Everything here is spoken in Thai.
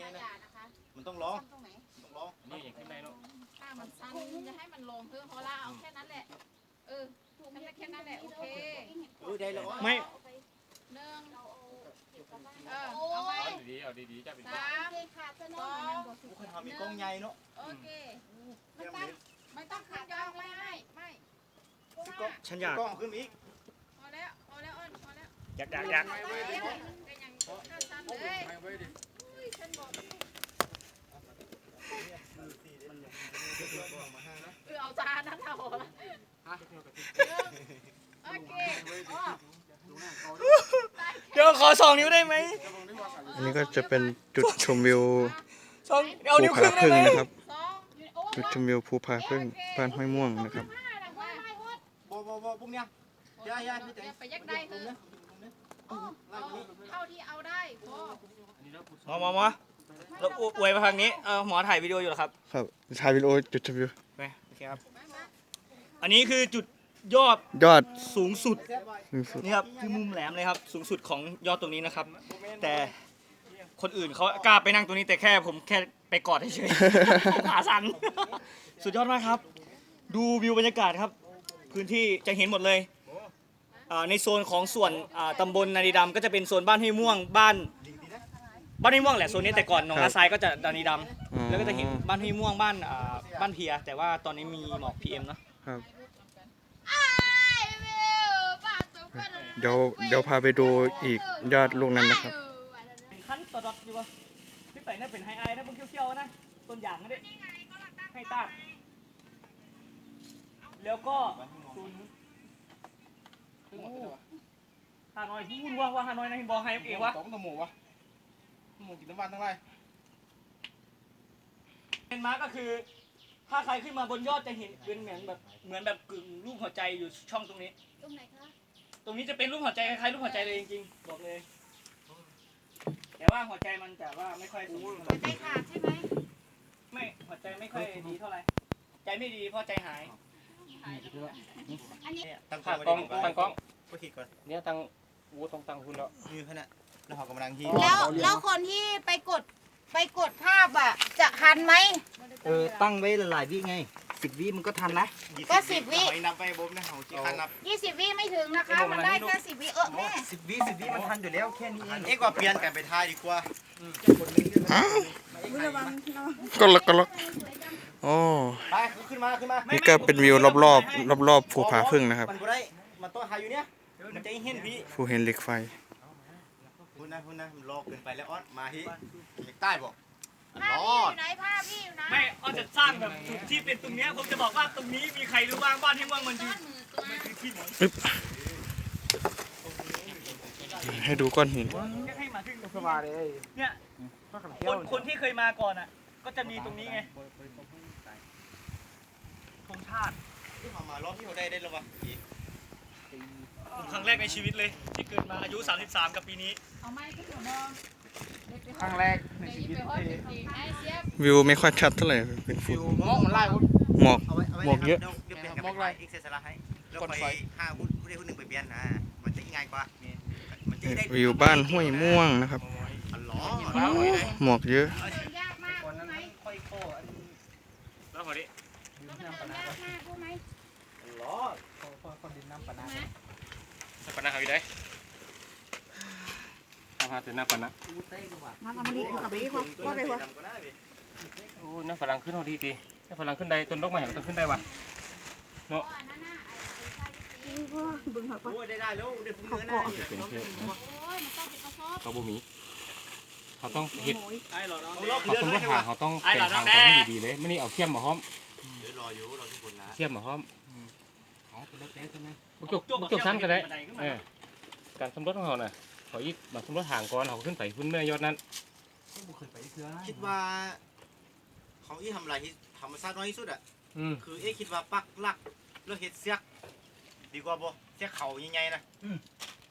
มันต้องร้องต้องร้องนี่อย่างขึ้นได้เนาะถ้ามันสั้นจะให้มันลงเพื่อพอละเอาแค่นั้นแหละแค่นั้นแหละโอเคได้แล้ว 1 ไม่เอาไว้เอาดีๆจ้าเป็น 3 2 กูเคยทำมีกล้องใหญ่เนาะโอเคไม่ต้องขึ้นยองไม่ฉันอยากกล้องขึ้นอีกพอแล้วอ้นพอแล้วอยากเป็นยังข้าสั้นเลยฉันบอกเอาจานนั้นเอาโอเคเดี๋ยวขอ2 นิ้วได้ไหมอันนี้ก็จะเป็นจุดชมวิวเอานิ้วภูครึ่ผางได้พึ่งไหมนะครับ จุดชมวิวภูผาพึ่งบ้านห้วยม่วงนะครับบ่พวกเนี้ยยายพี่เต๋ไปยักได้คือเท่าที่เอาได้พอหมอเราอวยมาทางนี้หมอถ่ายวิดีโออยู่เหรอครับครับถ่ายวิดีโอจุดชมวิวโอเคครับอันนี้คือจุดยอด สูงสุดนี่ครับคือมุมแหลมเลยครับสูงสุดของยอดตรงนี้นะครับ แต่คนอื่นเขากล้าไปนั่งตรงนี้แต่ผมแค่ไปกอดเฉยๆขาสั่นสุดยอดมากครับ ดูวิวบรรยากาศครับพื้นที่จะเห็นหมดเลยในโซนของส่วนตำบลนาดีดำก็จะเป็นโซนบ้านห้วยม่วงบ้านห้วยม่วงแหละโซนนี้แต่ก่อนหนองนาทรายก็จะนาดีดำแล้วก็จะเห็นบ้านห้วยม่วงบ้านเพียแต่ว่าตอนนี้มีหมอก PM เนาะครับเดี๋ยวพาไปดูอีกยอดลูกนั้นนะครับขั้นตอดอยู่วะพี่ไปน่าเป็นไฮไอนะพวกเขี้ยวๆนะต้นอย่างนั่นเองให้ตาดแล้วก็ศูนย์ฮานอยพูดว่าฮานอยนะเห็นบอกไฮเองวะต้องหมูวะหมูกินน้ำมันทั้งไรเป็นมาร์ก็คือถ้าใครขึ้นมาบนยอดจะเห็นเป็นเหมือนแบบกึ่งรูปหัวใจอยู่ช่องตรงนี้ตรงไหนคะตรงนี้จะเป็นรูปหัวใจคล้ายๆรูปหัวใจเลยจริงๆบอกเลยแต่ว่าหัวใจมันจะว่าไม่ค่อยสมบูรณ์ใจขาดใช่ไหมไม่หัวใจไม่ค่อยดีเท่าไหร่ใจไม่ดีเพราะใจหายตั้งตั้งกล้องก็คิดก่อนเนี่ยตั้งวูต้องตั้งคุณแล้วมีขนาดแล้วเขากำลังฮีแล้วคนที่ไปกดภาพอ่ะจะทันไหมตั้งไว้หลายวิไง10 วิมันก็ทันนะก็10 วินับไปบ๊บนะเขาจีคันนับ 20 วิไม่ถึงนะคะมันได้แค่10 วิแม่ 10 วิมันทันอยู่แล้วแค่นี้เองกว่าเปลี่ยนกันไปทายดีกว่าก็ล็อกโอ้ไปขึ้นมานี่ก็เป็นวิวรอบภูผาพึ่งนะครับมันบ่ได้มันต้องหาอยู่เนี้ยมันจะเห็นพี่ภูเห็นเหล็กไฟพูดนะมันรอเกินไปแล้วออสมาที่ใต้บอกภาพพี่อยู่ไหนภาพพี่อยู่ไหนไม่เอาจะสร้างแบบจุดที่เป็นตรงนี้ผมจะบอกว่าตรงนี้มีใครรู้บ้างบ้านที่เมืองมันคือที่ไหนให้ดูก้อนหินให้มาถึงสบายเลยเนี่ยคนที่เคยมาก่อนอ่ะก็จะมีตรงนี้ไงธงชาติที่มารอบที่เขาได้แล้ววะครั้งแรกในชีวิตเลยที่เกิดมาอายุ33กับปีนี้เอาไม้ขึ้นหัวมองครั้งแรกในชีวิตวิวไม่ค่อยชัดเท่าไหร่เป็นฝุ่นมองมันไล่วุ้นหมอกเยอะเดี๋ยวเปลี่ยนกับไปอีกเซสละให้แล้วไป5วุ้นผู้ใดผู้หนึ่งไปเปลี่ยนนะมันจะง่ายกว่ามันจะได้วิวบ้านห้วยม่วงนะครับ หมอกเยอะยากมากใช่ไหมค่อยโค้แล้วพอดีแล้วมันยากมากใช่ไหมคนดินน้ำปะนะปนะหาวิได้อาหารเป็นน้ำปะนะมาทำมันดีกับพี่ว่าไงวะโอ้น้ำฝรั่งขึ้นเอาดีน้ำฝรั่งขึ้นได้ต้นดอกไม้ก็ต้องขึ้นได้วะเนาะบึงหักปะโอ้ได้แล้วได้ฟุ้งเนื้อนะเป็นเพื่อนโอ้ยมันต้องเป็นกระสอบเขาบ่มีเขาต้องเห็ดไอ้หรอน้องเขาต้องหาเขาต้องเป็นทางให้ดีๆเลยไม่นี่เอาเขี้ยมมาห้อมรอทุกคนนะเขี้ยมมาห้อมอ๋อเป็นรถแล้วใช่ไหมจุกชั้นก็ได้การสำรวจของเขาน่ะเขาอีกมาสำรวจห่างก่อนเขาขึ้นไปขึ้นเมื่อยอดนั้นคิดว่าเขาที่ทำอะไรที่ธรรมชาติน้อยที่สุดอ่ะ คือคิดว่าปักหลักแล้วเห็ดเสียกดีกว่าบ่เสียกเขาใหญ่ๆนะ